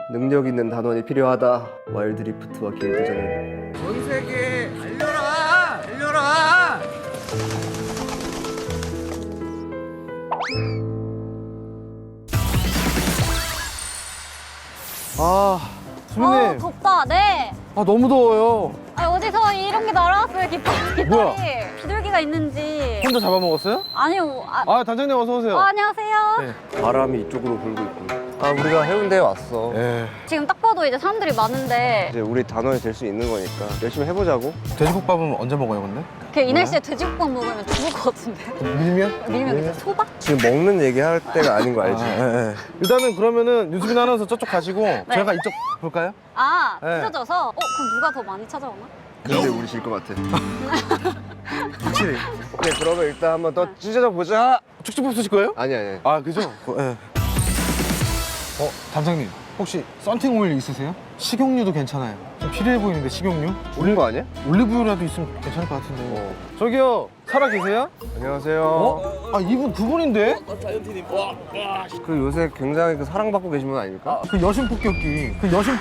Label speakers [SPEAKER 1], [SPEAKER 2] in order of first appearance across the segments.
[SPEAKER 1] 능력 있는 단원이 필요하다. 와일드리프트와 길드전은 전 세계에 달려라! 달려라!
[SPEAKER 2] 수민님.
[SPEAKER 3] 덥다. 네.
[SPEAKER 2] 너무 더워요.
[SPEAKER 3] 어디서 이런 게 날아왔어요, 깃발이.
[SPEAKER 2] 뭐야?
[SPEAKER 3] 비둘기가 있는지.
[SPEAKER 2] 혼자 잡아먹었어요?
[SPEAKER 3] 아니요.
[SPEAKER 2] 단장님 어서 오세요.
[SPEAKER 3] 안녕하세요.
[SPEAKER 2] 네.
[SPEAKER 1] 바람이 이쪽으로 불고 있고. 우리가 해운대에 왔어.
[SPEAKER 2] 예.
[SPEAKER 3] 지금 딱 봐도 이제 사람들이 많은데
[SPEAKER 1] 이제 우리 단원이 될 수 있는 거니까 열심히 해보자고.
[SPEAKER 2] 돼지국밥은 언제 먹어요, 근데?
[SPEAKER 3] 이 날씨에 돼지국밥 먹으면 죽을 것 같은데.
[SPEAKER 2] 밀면?
[SPEAKER 3] 이제 소박?
[SPEAKER 1] 지금 먹는 얘기할 때가 아닌 거 알지?
[SPEAKER 2] 일단은 그러면 유수빈 아나운서 저쪽 가시고 저희가 이쪽 볼까요?
[SPEAKER 3] 찢어져서? 그럼 누가 더 많이 찾아오나?
[SPEAKER 1] 근데 우리 질 것 같아. 확실히. 네, 그러면 일단 한번 더 찢어져 보자.
[SPEAKER 2] 축지법 쓰실 거예요?
[SPEAKER 1] 아니.
[SPEAKER 2] 그죠? 예. 단장님 혹시 썬팅 오일 있으세요? 식용유도 괜찮아요. 좀 필요해 보이는데 식용유?
[SPEAKER 1] 올린 거 아니야?
[SPEAKER 2] 올리브유라도 있으면 괜찮을 것 같은데. 저기요, 살아 계세요?
[SPEAKER 1] 안녕하세요.
[SPEAKER 2] 이분 그분인데?
[SPEAKER 1] 그 요새 굉장히 사랑받고 계신 분 아닙니까?
[SPEAKER 2] 그 여신 폭격기.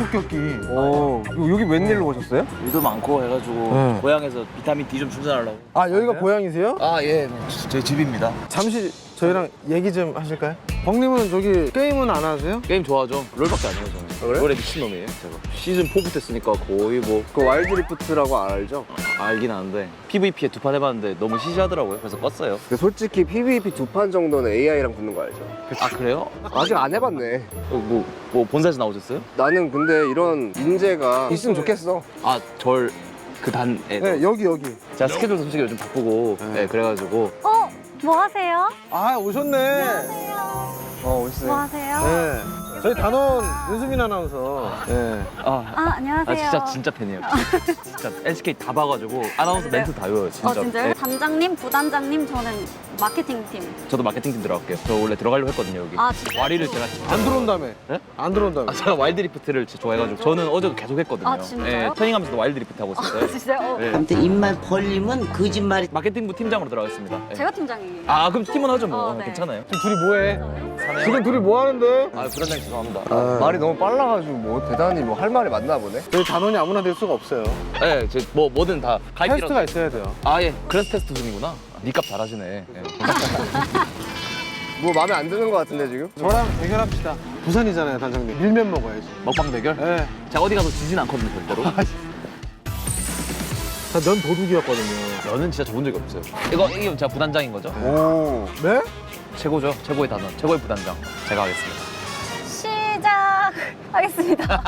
[SPEAKER 1] 여기 웬일로 오셨어요?
[SPEAKER 4] 일도 많고 해가지고
[SPEAKER 2] 네.
[SPEAKER 4] 고향에서 비타민 D 좀 충전하려고.
[SPEAKER 2] 여기가 고향이세요?
[SPEAKER 4] 예, 저희 집입니다.
[SPEAKER 2] 잠시 저희랑 얘기 좀 하실까요? 벙님은 저기 게임은 안 하세요?
[SPEAKER 4] 게임 좋아하죠. 롤밖에 안 해요 저는.
[SPEAKER 1] 그래?
[SPEAKER 4] 롤에 미친놈이에요 제가. 시즌 4부터 했으니까 거의 뭐
[SPEAKER 1] 그 와일드리프트라고 알죠?
[SPEAKER 4] 알긴 아는데 PVP에 2판 해봤는데 너무 시시하더라고요. 그래서 껐어요.
[SPEAKER 1] 근데 솔직히 PVP 2판 정도는 AI랑 붙는 거 알죠?
[SPEAKER 4] 아 그래요?
[SPEAKER 1] 아직 안 해봤네.
[SPEAKER 4] 뭐 본사에서 나오셨어요?
[SPEAKER 1] 나는 근데 이런 인재가 있으면 좋겠어.
[SPEAKER 4] 절 그 단에
[SPEAKER 2] 네, 여기.
[SPEAKER 4] 제가 스케줄도 솔직히 요즘 바쁘고 네, 그래가지고
[SPEAKER 3] 뭐 하세요?
[SPEAKER 2] 오셨네.
[SPEAKER 1] 오셨어요.
[SPEAKER 3] 뭐 하세요?
[SPEAKER 2] 네. 저희 단원 유수빈 아나운서. 네.
[SPEAKER 3] 안녕하세요.
[SPEAKER 4] 진짜 팬이에요. 진짜 LCK 다 봐가지고 아나운서 멘트 다 외워요 진짜.
[SPEAKER 3] 진짜요?
[SPEAKER 4] 네.
[SPEAKER 3] 단장님, 부단장님, 저는 마케팅팀.
[SPEAKER 4] 저도 마케팅팀 들어갈게요. 저 원래 들어가려고 했거든요 여기.
[SPEAKER 3] 진짜요?
[SPEAKER 4] 와리를 제가 진짜
[SPEAKER 2] 안 들어온다며.
[SPEAKER 4] 네?
[SPEAKER 2] 안 들어온다며.
[SPEAKER 4] 제가 와일드리프트를 진짜 좋아해가지고 저는 어제도 계속 했거든요.
[SPEAKER 3] 진짜요?
[SPEAKER 4] 터닝하면서도 와일드리프트 하고 있었어요.
[SPEAKER 3] 진짜요?
[SPEAKER 4] 네.
[SPEAKER 5] 아무튼 입만 벌리면 거짓말이.
[SPEAKER 4] 마케팅부 팀장으로 들어가겠습니다. 네.
[SPEAKER 3] 제가 팀장이에요.
[SPEAKER 4] 그럼 팀은 하죠 뭐.
[SPEAKER 3] 네.
[SPEAKER 4] 괜찮아요.
[SPEAKER 2] 지금 둘이 뭐해?
[SPEAKER 4] 사네요.
[SPEAKER 2] 지금 둘이 뭐 하는데?
[SPEAKER 4] 부단장 죄송합니다.
[SPEAKER 1] 말이 너무 빨라가지고 뭐 대단히 뭐 할 말이 많나 보네.
[SPEAKER 2] 저희 단원이 아무나 될 수가 없어요.
[SPEAKER 4] 네, 뭐든 다 가입이라도.
[SPEAKER 2] 테스트가 있어야 돼요.
[SPEAKER 4] 예. 그래서 테스트 중이구나. 니값 잘하시네. 예.
[SPEAKER 1] 뭐 마음에 안 드는 거 같은데 지금?
[SPEAKER 2] 저랑 대결합시다. 부산이잖아요, 단장님. 밀면 먹어야지.
[SPEAKER 4] 먹방 대결?
[SPEAKER 2] 네.
[SPEAKER 4] 제가 어디 가서 지진 않거든요, 절대로.
[SPEAKER 2] 면 도둑이었거든요.
[SPEAKER 4] 저는 진짜 좋은 적이 없어요. 이게 제가 부단장인 거죠?
[SPEAKER 1] 오.
[SPEAKER 2] 네?
[SPEAKER 4] 최고죠. 최고의 단원, 최고의 부단장. 제가 하겠습니다.
[SPEAKER 3] 시작하겠습니다.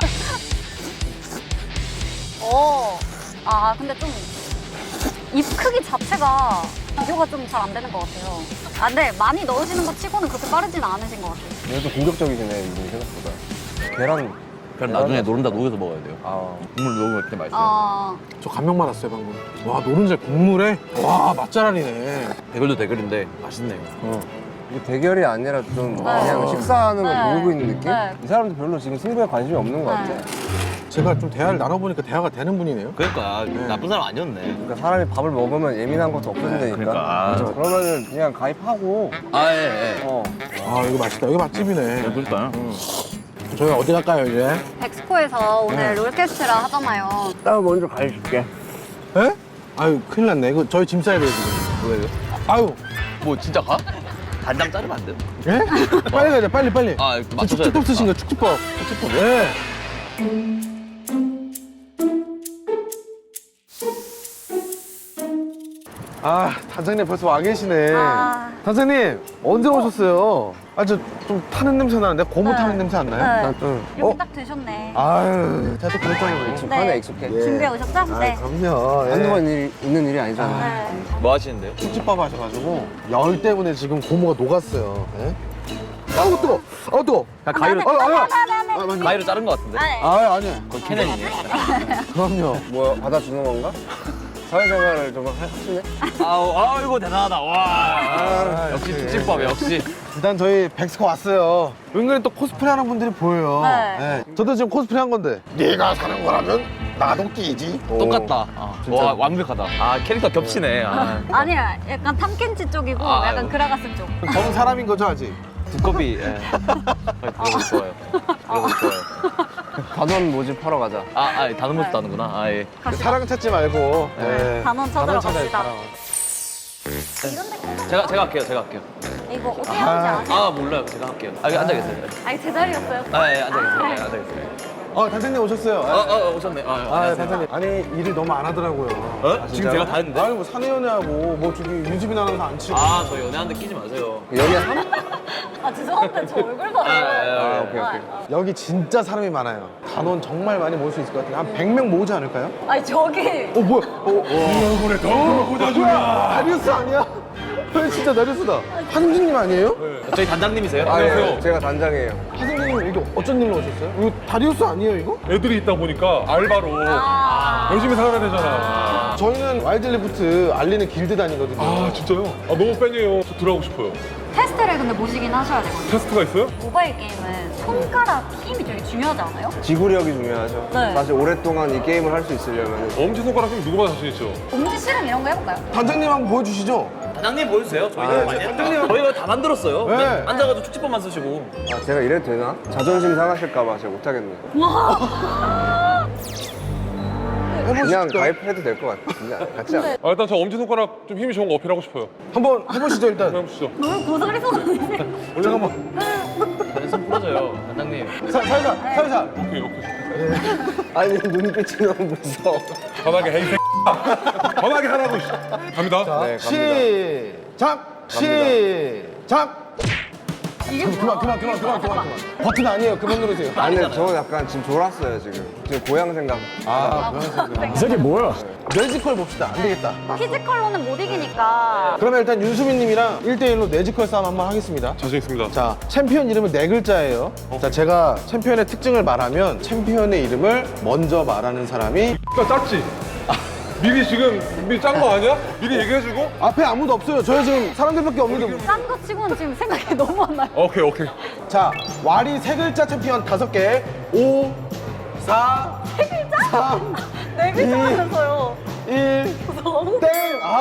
[SPEAKER 3] 근데 좀 입 크기 자체가 비교가 좀 잘 안 되는 것 같아요. 근데 많이 넣으시는 것 치고는 그렇게 빠르진 않으신 것 같아요.
[SPEAKER 1] 얘도 공격적이시네 이분이 생각보다. 계란.
[SPEAKER 4] 그럼 나중에 노른자 녹여서 먹어야 돼요. 국물 녹으면 그때 맛있어요.
[SPEAKER 2] 저 감명 받았어요, 방금. 와, 노른자 국물에? 와, 맛잘알이네.
[SPEAKER 4] 대결도 대결인데 맛있네요.
[SPEAKER 1] 이게 대결이 아니라 좀 그냥 식사하는 걸
[SPEAKER 3] 네.
[SPEAKER 1] 보고 있는 느낌?
[SPEAKER 3] 네.
[SPEAKER 1] 이 사람들 별로 지금 승부에 관심이 없는 것 같아.
[SPEAKER 2] 제가 좀 대화를 나눠보니까 대화가 되는 분이네요.
[SPEAKER 4] 그러니까 나쁜 사람 아니었네.
[SPEAKER 1] 그러니까 사람이 밥을 먹으면 예민한 것도 없어진다니까.
[SPEAKER 4] 그러니까.
[SPEAKER 1] 그렇죠. 그러면은 그냥 가입하고.
[SPEAKER 4] 예.
[SPEAKER 2] 이거 맛있다. 여기 맛집이네.
[SPEAKER 4] 그러니까요.
[SPEAKER 2] 저희 어디 갈까요, 이제?
[SPEAKER 3] 엑스코에서 오늘 롤캐스트라 하잖아요.
[SPEAKER 1] 나 먼저 가입줄게.
[SPEAKER 2] 에? 큰일 났네. 이거 저희 짐 싸야 돼요, 지금.
[SPEAKER 4] 왜요?
[SPEAKER 2] 아유,
[SPEAKER 4] 뭐 진짜 가? 단장 자르면 안 돼요?
[SPEAKER 2] 예? 빨리 가자, 빨리.
[SPEAKER 4] 맞춰줘야
[SPEAKER 2] 축지법
[SPEAKER 4] 돼.
[SPEAKER 2] 쓰신 거, 축지법.
[SPEAKER 4] 축지법.
[SPEAKER 2] 예. 단장님 벌써 와 계시네. 단장님, 언제 오셨어요? 저 좀 타는 냄새 나는데? 고무
[SPEAKER 3] 네.
[SPEAKER 2] 타는 냄새 안 나요?
[SPEAKER 3] 네. 이렇게 딱 되셨네.
[SPEAKER 2] 제가 또 그랬잖아요.
[SPEAKER 1] 익숙하네, 익숙해.
[SPEAKER 2] 예.
[SPEAKER 3] 준비해 오셨죠? 네.
[SPEAKER 2] 그럼요.
[SPEAKER 1] 한두 번 있는 일이 아니잖아.
[SPEAKER 3] 네.
[SPEAKER 4] 뭐 하시는데요?
[SPEAKER 2] 축지법 하셔가지고 열 때문에 지금 고무가 녹았어요. 예? 뜨거! 뜨거!
[SPEAKER 4] 가위로
[SPEAKER 3] 네.
[SPEAKER 4] 가위로 자른 것 같은데?
[SPEAKER 2] 아니야.
[SPEAKER 4] 거의 캐넨이네.
[SPEAKER 2] 그럼요.
[SPEAKER 1] 뭐 받아주는 건가? 사회생활을 좀 하시네?
[SPEAKER 4] 이거 대단하다. 와. 역시
[SPEAKER 2] 그래.
[SPEAKER 4] 축지법 역시.
[SPEAKER 2] 일단 저희 백스코 왔어요. 은근히 또 코스프레 하는 분들이 보여요.
[SPEAKER 3] 네.
[SPEAKER 2] 저도 지금 코스프레 한 건데. 네가 사는 거라면 나도 끼지.
[SPEAKER 4] 똑같다. 와 완벽하다. 캐릭터 겹치네.
[SPEAKER 3] 아니야, 약간 탐켄치 쪽이고
[SPEAKER 4] 아,
[SPEAKER 3] 약간
[SPEAKER 4] 아이고.
[SPEAKER 3] 그라가스 쪽.
[SPEAKER 2] 저는 사람인 거죠, 아직?
[SPEAKER 4] 두꺼비. 예. 그래서 좋아요. 그래서 좋아요.
[SPEAKER 1] 단원 모집하러 가자.
[SPEAKER 4] 다른 모습도 하는구나. 아, 예.
[SPEAKER 2] 사랑 찾지 말고. 네.
[SPEAKER 3] 단원 찾으러
[SPEAKER 2] 찾아요,
[SPEAKER 3] 갑시다.
[SPEAKER 2] 사랑.
[SPEAKER 3] 이런데
[SPEAKER 4] 제가 할게요.
[SPEAKER 3] 이거 어떻게 하는지 아세요?
[SPEAKER 4] 몰라요. 제가 할게요. 여기 앉아 계세요.
[SPEAKER 3] 아니 제 자리였어요.
[SPEAKER 4] 예, 앉아 계세요. 앉아 계세요.
[SPEAKER 2] 단장님 오셨어요.
[SPEAKER 4] 오셨네.
[SPEAKER 2] 단장님. 아니, 일을 너무 안 하더라고요.
[SPEAKER 4] 지금 제가 다 했는데?
[SPEAKER 2] 아니, 뭐 사내연애하고, 뭐 저기 유지빈 아나운서 안 치고.
[SPEAKER 4] 저 연애하는데 끼지 마세요.
[SPEAKER 1] 연애 3?
[SPEAKER 3] 아 죄송한데 저 얼굴 봐요.
[SPEAKER 1] 오케이.
[SPEAKER 2] 여기 진짜 사람이 많아요. 단원 정말 많이 모을 수 있을 것 같아요. 한 100명 모으지 않을까요?
[SPEAKER 3] 아니 저기
[SPEAKER 2] 뭐야? 이 얼굴에 더 꽂아주냐? 다리우스 아니야? 진짜 다리우스다. 하승진님 아니에요?
[SPEAKER 4] 저희 단장님이세요?
[SPEAKER 1] 예, 제가 단장이에요.
[SPEAKER 2] 하승진님 여기 어쩐 일로 오셨어요? 이거 다리우스 아니에요 이거?
[SPEAKER 6] 애들이 있다 보니까 알바로 열심히 살아야 되잖아.
[SPEAKER 2] 저희는 와일드리프트 알리는 길드단이거든요.
[SPEAKER 6] 아 진짜요? 너무 팬이에요. 저 들어가고 싶어요.
[SPEAKER 3] 테스트를 근데 보시긴 하셔야 되거든요.
[SPEAKER 6] 테스트가 있어요?
[SPEAKER 3] 모바일 게임은 손가락 힘이 되게 중요하지 않아요?
[SPEAKER 1] 지구력이 중요하죠.
[SPEAKER 3] 네.
[SPEAKER 1] 사실 오랫동안 이 게임을 할 수 있으려면
[SPEAKER 6] 엄지손가락 힘 누구보다 자신 있죠?
[SPEAKER 3] 엄지 실험 이런 거 해볼까요?
[SPEAKER 2] 단장님 한번 보여주시죠.
[SPEAKER 4] 단장님 보여주세요. 저희가 많이 했다. 저희가 다 만들었어요.
[SPEAKER 2] 네.
[SPEAKER 4] 앉아가지고 축지법만 쓰시고.
[SPEAKER 1] 제가 이래도 되나? 자존심 상하실까봐 제가 못하겠네요. 그냥 가입해도 될 것 같아. 그냥 같이 안.
[SPEAKER 6] 일단 저 엄지손가락 좀 힘이 좋은 거 어필하고 싶어요.
[SPEAKER 2] 한번 해보시죠 일단.
[SPEAKER 6] 한번 해보시죠.
[SPEAKER 3] 너무 고소리 쏟아내세요.
[SPEAKER 2] 잠깐만.
[SPEAKER 4] 손 풀어줘요, 단장님.
[SPEAKER 2] 살살.
[SPEAKER 6] 오케이.
[SPEAKER 1] 아니 눈빛이 너무 무서워.
[SPEAKER 6] 편하게 해, 이 새끼. 편하게 하라고. 씨. 갑니다.
[SPEAKER 1] 네, 갑니다.
[SPEAKER 2] 시작.
[SPEAKER 3] 이게
[SPEAKER 2] 그만. 버튼 아니에요. 그만 누르세요.
[SPEAKER 1] 아니 근데 저 약간 지금 졸았어요 지금. 지금 고향 생각.
[SPEAKER 2] 이 새끼 뭐야? 뇌지컬 봅시다. 안 되겠다.
[SPEAKER 3] 피지컬로는 못 이기니까.
[SPEAKER 2] 그러면 일단 윤수빈님이랑 1대1로 뇌지컬 싸움 한번 하겠습니다.
[SPEAKER 6] 자신 있습니다.
[SPEAKER 2] 자, 챔피언 이름은 네 글자예요. 자, 제가 챔피언의 특징을 말하면 챔피언의 이름을 먼저 말하는 사람이
[SPEAKER 6] 짰지? 미리 짠 거 아니야? 미리 얘기해주고?
[SPEAKER 2] 앞에 아무도 없어요. 저희 지금 사람들밖에 없는데.
[SPEAKER 3] 딴 거 치고는 지금 생각이 너무 안 나요.
[SPEAKER 6] 오케이.
[SPEAKER 2] 자, 와리 세 글자 챔피언 5개. 5, 4,
[SPEAKER 3] 세 글자?
[SPEAKER 2] 3,
[SPEAKER 3] 네 글자면서요.
[SPEAKER 2] 1,
[SPEAKER 3] 너무
[SPEAKER 2] 땡!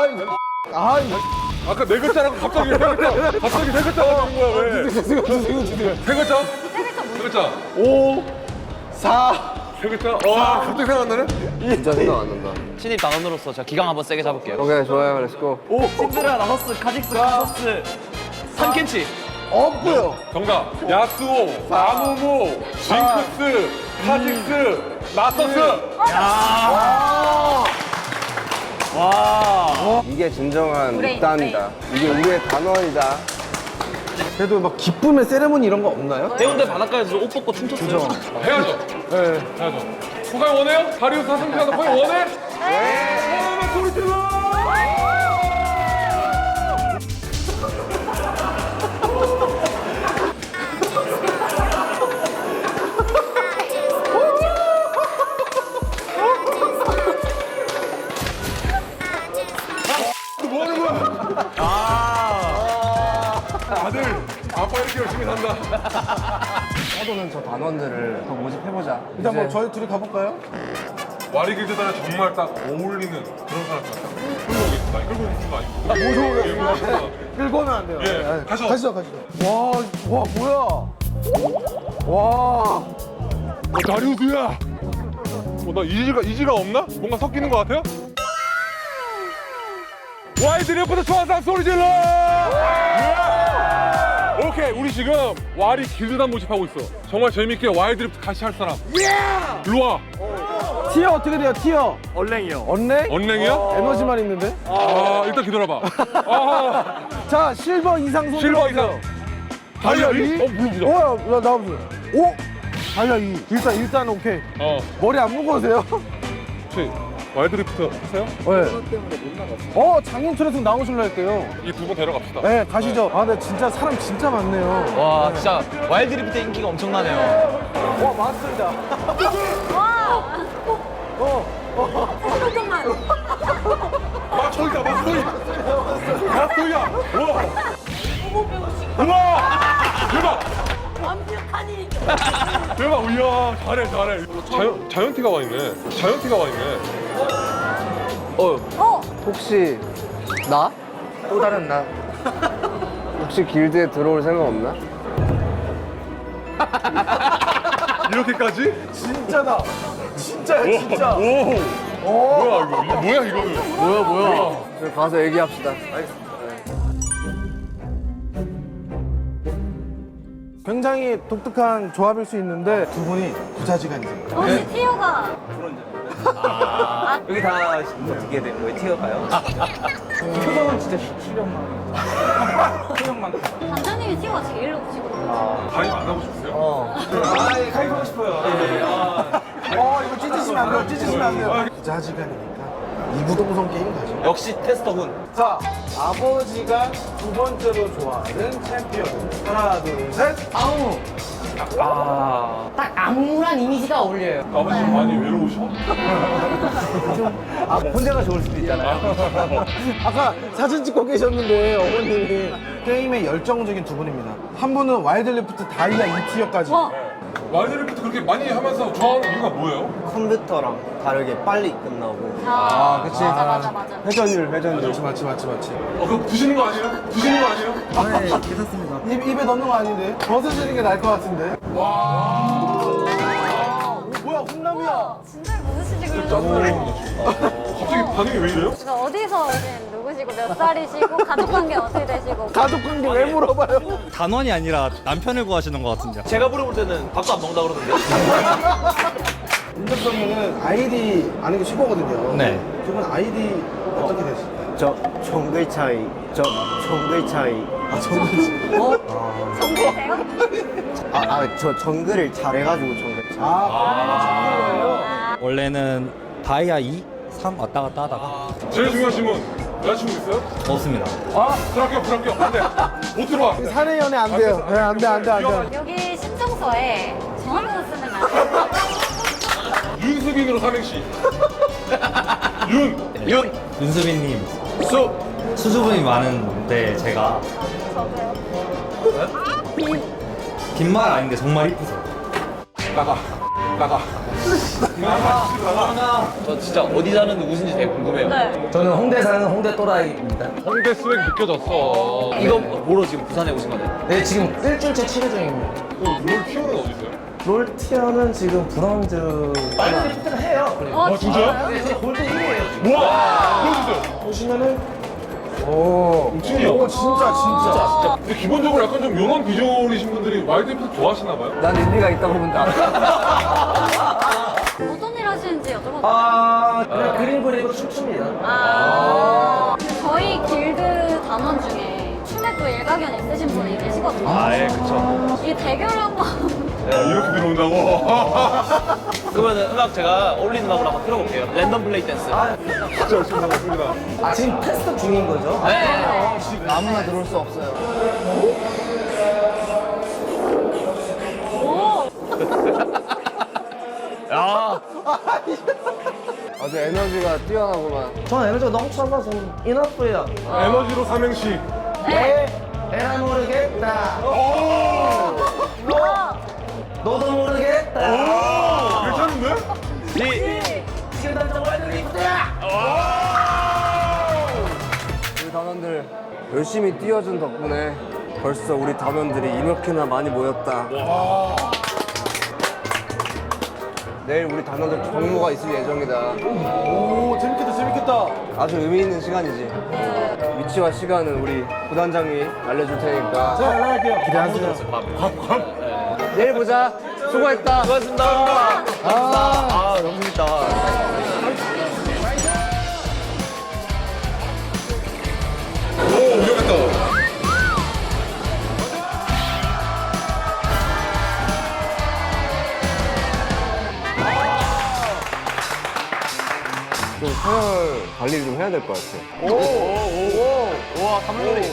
[SPEAKER 6] 아까 네 글자라고 갑자기 세 글자. 갑자기 세 글자가 나온 거야 왜?
[SPEAKER 2] 주세요.
[SPEAKER 6] 세 글자? 세 글자.
[SPEAKER 2] 5, 4,
[SPEAKER 6] 세 글자? 갑자기 생각나네?
[SPEAKER 1] 진짜 생각 안 난다.
[SPEAKER 4] 신입 단원으로서 제가 기강 한번 세게 잡을게요.
[SPEAKER 1] 오케이 좋아요. 렛츠고.
[SPEAKER 4] 신드라, 라서스, 카직스, 카서스, 산켄치.
[SPEAKER 2] 없고요.
[SPEAKER 6] 정답. 야스오, 아무무, 징크스, 카직스, 나서스.
[SPEAKER 1] 이게 진정한
[SPEAKER 3] 브레인,
[SPEAKER 1] 입단이다. 이게 우리의 단원이다.
[SPEAKER 2] 그래도 막 기쁨의 세레모니 이런 거 없나요?
[SPEAKER 4] 해운대 바닷가에서 옷 벗고 춤췄어요.
[SPEAKER 6] 해야죠.
[SPEAKER 2] 네.
[SPEAKER 6] 해야죠. 소감 원해요? 다리우스 하승진한테 소감 원해? 네. 소리 질러! 뭐 하는 거야? 아들, 아빠 이렇게 열심히 산다.
[SPEAKER 1] 해도는 저 단원들을 더 모집해보자.
[SPEAKER 2] 일단 뭐 저희 둘이 가볼까요?
[SPEAKER 6] 와리길드단에 정말 딱 어울리는 그런 사람 같다. 끌고 오겠습니다. 끌고 오는 거 아니고.
[SPEAKER 2] 모셔오겠습니다. 끌고 오면 안 돼요.
[SPEAKER 6] 예,
[SPEAKER 2] 네.
[SPEAKER 6] 가시죠.
[SPEAKER 2] 와, 뭐야? 와.
[SPEAKER 6] 다리우스야! 나 이지가 없나? 뭔가 섞이는 것 같아요? 와이드리프트 좋아하는 소리 질러! 오케이, 우리 지금 와리 길드단 모집하고 있어. 정말 재밌게 와이드리프트 같이 할 사람. 일로 와.
[SPEAKER 2] 티어 어떻게 돼요? 티어?
[SPEAKER 4] 얼랭이요.
[SPEAKER 2] 언랭?
[SPEAKER 6] 언랭이야?
[SPEAKER 2] 에너지만 있는데?
[SPEAKER 6] 일단 기다려봐.
[SPEAKER 2] 자, 실버 이상 손
[SPEAKER 6] 실버
[SPEAKER 2] 들어보세요.
[SPEAKER 6] 이상. 다이아 1? 물어보자.
[SPEAKER 2] 야, 나와보세요. 오! 다이아 2. 일단 오케이. 머리 안 묶어오세요?
[SPEAKER 6] 혹시 와이드리프트 하세요?
[SPEAKER 2] 네. 장인철에서 나오실라 했대요.
[SPEAKER 6] 이 두 분 데려갑시다.
[SPEAKER 2] 네, 가시죠. 근데 진짜 사람 진짜 많네요.
[SPEAKER 4] 와, 진짜 와일드리프트 인기가 엄청나네요.
[SPEAKER 2] 와, 맞습니다.
[SPEAKER 6] 맞춰이다, 맞춰이! 맞춰이야! 우와! 대박! 완벽하니! 대박, 이야, 잘해. 자이언티가 와 있네.
[SPEAKER 1] 혹시 나? 또 다른 나? 혹시 길드에 들어올 생각 없나?
[SPEAKER 6] 이렇게까지?
[SPEAKER 2] 진짜다. 진짜야, 진짜.
[SPEAKER 6] 오. 뭐야 이거? 뭐야 이거는?
[SPEAKER 2] 뭐야.
[SPEAKER 1] 저희 가서 얘기합시다.
[SPEAKER 2] 굉장히 독특한 조합일 수 있는데 두 분이 부자지간이세요.
[SPEAKER 3] 혹시 티오가
[SPEAKER 7] 여기 다 어떻게 된 거예요? 티어가요? 표정은 진짜 실력만. 표정만.
[SPEAKER 3] 단장님이 티오가 제일 높으시거든요.
[SPEAKER 6] 가위 만나고 싶으세요?
[SPEAKER 7] 가입하고 싶어요.
[SPEAKER 2] 이거 찢으시면 안 돼요. 찢으시면 안 돼요. 부자지간이니까 이구동성 게임 가죠.
[SPEAKER 7] 역시 테스터군.
[SPEAKER 2] 자, 아버지가 두 번째로 좋아하는 챔피언. 하나, 둘, 셋. 아우.
[SPEAKER 8] 딱 암울한 이미지가 어울려요.
[SPEAKER 6] 아버지 좀 많이 외로우셔?
[SPEAKER 7] 혼자가 좋을 수도 있잖아요.
[SPEAKER 2] 아까 사진 찍고 계셨는데 어머님이 게임에 열정적인 두 분입니다. 한 분은 와일드리프트 다이아 2티어까지.
[SPEAKER 3] 와,
[SPEAKER 6] 와이드리프트 그렇게 많이 하면서 좋아하는 이유가 뭐예요?
[SPEAKER 1] 컴퓨터랑 다르게 빨리 끝나고.
[SPEAKER 2] 그치.
[SPEAKER 3] 맞아.
[SPEAKER 1] 회전율.
[SPEAKER 2] 맞지.
[SPEAKER 6] 그거 드시는 거 아니에요? 드시는 거 아니에요?
[SPEAKER 1] 네, 괜찮습니다.
[SPEAKER 2] 입에 넣는 거 아닌데? 벗어지는 게 나을 것 같은데? 뭐야, 훈남이야.
[SPEAKER 3] 진짜 무엇이지 그러면?
[SPEAKER 6] 갑자기 반응이 왜 이래요?
[SPEAKER 3] 제가 어디서 오신 누구시고 몇 살이시고 가족 관계 어떻게 되시고?
[SPEAKER 2] 가족 관계 왜 물어봐요?
[SPEAKER 9] 단원이 아니라 남편을 구하시는 것 같은데요.
[SPEAKER 7] 제가 물어볼 때는 밥도 안 먹는다 그러던데.
[SPEAKER 2] 인접성에는 아이디 아는 게 쉽거든요.
[SPEAKER 9] 네.
[SPEAKER 2] 두 분 아이디 어떻게 되실까요?
[SPEAKER 1] 저 정글 차이.
[SPEAKER 3] 정글이세요?
[SPEAKER 1] 저 정글을 잘해가지고 정글 차이.
[SPEAKER 9] 원래는 다이아 2, 3 왔다 갔다 하다가
[SPEAKER 6] 제일 중요하신 분 여자친구 있어요?
[SPEAKER 9] 없습니다.
[SPEAKER 6] 불합격 안돼 못 들어와.
[SPEAKER 2] 사내 연애 안 돼요. 네, 안 돼.
[SPEAKER 3] 여기 신청서에 전화번호 쓰는 거
[SPEAKER 6] 윤수빈으로 삼행시.
[SPEAKER 9] 윤수빈님 수줍음이 많은데 제가
[SPEAKER 3] 저도요.
[SPEAKER 9] 빈말 아닌데 정말 이쁘세요.
[SPEAKER 6] 나가.
[SPEAKER 7] 저 진짜 어디 사는 누구신지 되게 궁금해요.
[SPEAKER 3] 네.
[SPEAKER 8] 저는 홍대 사는 홍대 또라이입니다.
[SPEAKER 6] 홍대 스웩 느껴졌어.
[SPEAKER 7] 이거 뭐로 지금 부산에 오신 거예요?
[SPEAKER 8] 네, 지금 일주일째 치료 중입니다.
[SPEAKER 6] 롤 티어는 어디 있어요?
[SPEAKER 8] 롤 티어는 지금 브론즈. 와일드리프트를 해요.
[SPEAKER 6] 진짜요?
[SPEAKER 8] 네, 제 골드 1위에요.
[SPEAKER 6] 우와! 보여주세요.
[SPEAKER 2] 보시면은 오, 진짜.
[SPEAKER 6] 근데 기본적으로 약간 좀 용한 비주얼이신 분들이 와이드리프트 좋아하시나 봐요?
[SPEAKER 1] 난 의미가 있다고 본다.
[SPEAKER 3] 어떤 일 하시는지 여쭤봐도 돼요?
[SPEAKER 8] 그냥 그림 그리고 춤춥니다.
[SPEAKER 3] 저희 길드 단원 중에 춤에 또 일가견 있으신 분이 계시거든요.
[SPEAKER 7] 예, 그쵸.
[SPEAKER 3] 이 대결을 한번
[SPEAKER 6] 이렇게 들어온다고?
[SPEAKER 7] 그러면 음악 제가 어울리는 음악으로 한번 틀어볼게요. 랜덤 플레이 댄스.
[SPEAKER 6] 열심히 나갔습니다.
[SPEAKER 8] 지금 테스트 중인 거죠?
[SPEAKER 1] 아무나 들어올 수 없어요. 아주 에너지가 뛰어나구만.
[SPEAKER 8] 저는 에너지가 넘쳐서 좀 이너프예요.
[SPEAKER 6] 에너지로 삼행시.
[SPEAKER 8] 에라 모르겠다. 너도 모르겠다.
[SPEAKER 6] 괜찮은데?
[SPEAKER 8] 지금 당장 와일드리프트야.
[SPEAKER 1] 우리 단원들 열심히 뛰어준 덕분에 벌써 우리 단원들이 이렇게나 많이 모였다. 내일 우리 단원들 정모가 있을 예정이다.
[SPEAKER 2] 오, 재밌겠다.
[SPEAKER 1] 아주 의미 있는 시간이지. 위치와 시간은 우리 부단장이 알려줄 테니까
[SPEAKER 2] 제가 연락할게요. 기대하세요.
[SPEAKER 1] 내일 보자. 수고했다.
[SPEAKER 7] 수고하셨습니다. 너무 재밌다.
[SPEAKER 6] 오, 위험했다.
[SPEAKER 1] 좀 서열 관리를 좀 해야 될 것 같아.
[SPEAKER 7] 우와, 감독님.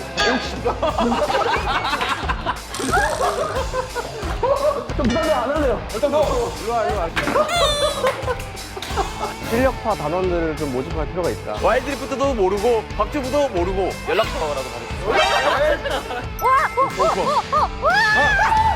[SPEAKER 6] 일단 더.
[SPEAKER 1] 실력파 단원들을 좀 모집할 필요가 있다.
[SPEAKER 7] 와일드리프트도 모르고 박주부도 모르고 연락처라도 받으세요.
[SPEAKER 3] 와!